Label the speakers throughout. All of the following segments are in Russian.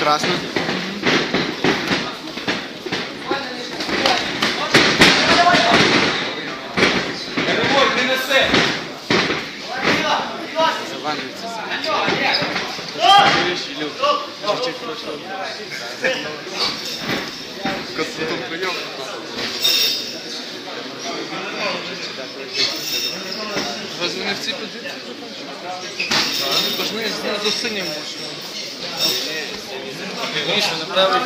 Speaker 1: Прекрасно. Заваливается.
Speaker 2: Разве не в цій позиції? Тож ми з синім можемо. Міша, направо.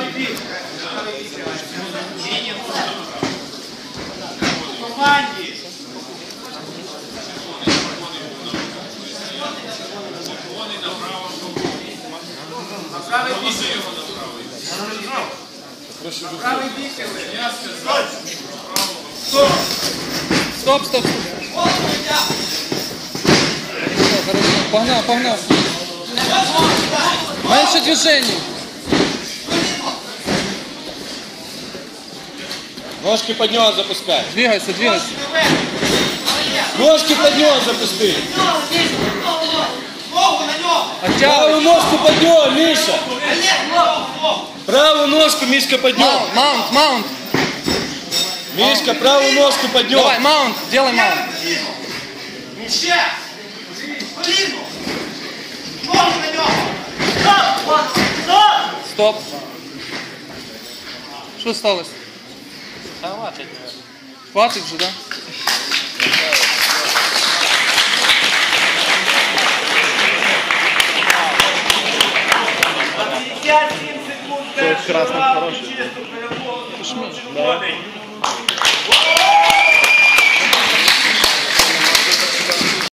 Speaker 2: Стоп, стоп, стоп. Погнал, погнал. Меньше движений.
Speaker 3: Ножки под него запускай.
Speaker 2: Двигайся, двигайся.
Speaker 3: Ножки под него запусти. Правую ножку под него, Миша. Правую ножку, Мишка, под него.
Speaker 2: Маунт, маунт.
Speaker 3: Мишка, правую ножку под него.
Speaker 2: Давай, маунт, делай маунт. Стоп. Що сталося? Хватить вже, так?
Speaker 1: Красный хороший.
Speaker 2: Да?